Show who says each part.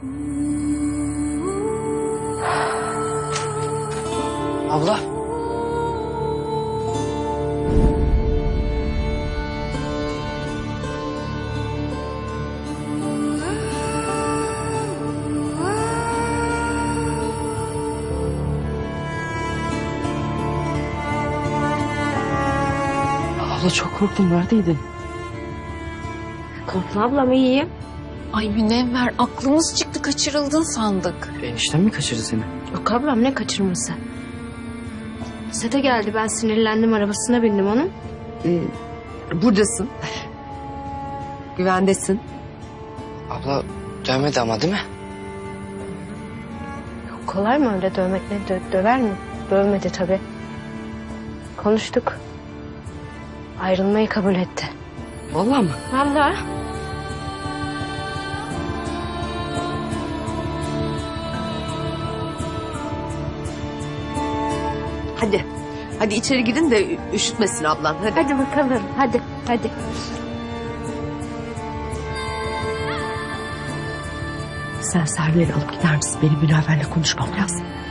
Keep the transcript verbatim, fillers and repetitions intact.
Speaker 1: Abla. Abla çok korktum. Neredeydin?
Speaker 2: Korkma ablam, iyiyim.
Speaker 3: Ay Münevver, aklımız çıktı, kaçırıldın sandık.
Speaker 1: Enişten mi kaçırdı seni?
Speaker 2: Yok ablam, ne kaçırması? Sete geldi, ben sinirlendim, arabasına bindim onun.
Speaker 4: Ee, buradasın. Güvendesin.
Speaker 1: Abla dövmedi ama değil mi?
Speaker 2: Yok, kolay mı öyle dövmek, ne dö- döver mi? Dövmedi tabii. Konuştuk. Ayrılmayı kabul etti.
Speaker 1: Vallahi mı?
Speaker 2: Vallahi.
Speaker 4: Hadi. Hadi içeri girin de üşütmesin ablan. Hadi.
Speaker 2: Hadi bakalım, hadi, hadi.
Speaker 4: Sen Server'i alıp gider misin? Benim Münevver'le konuşmam lazım.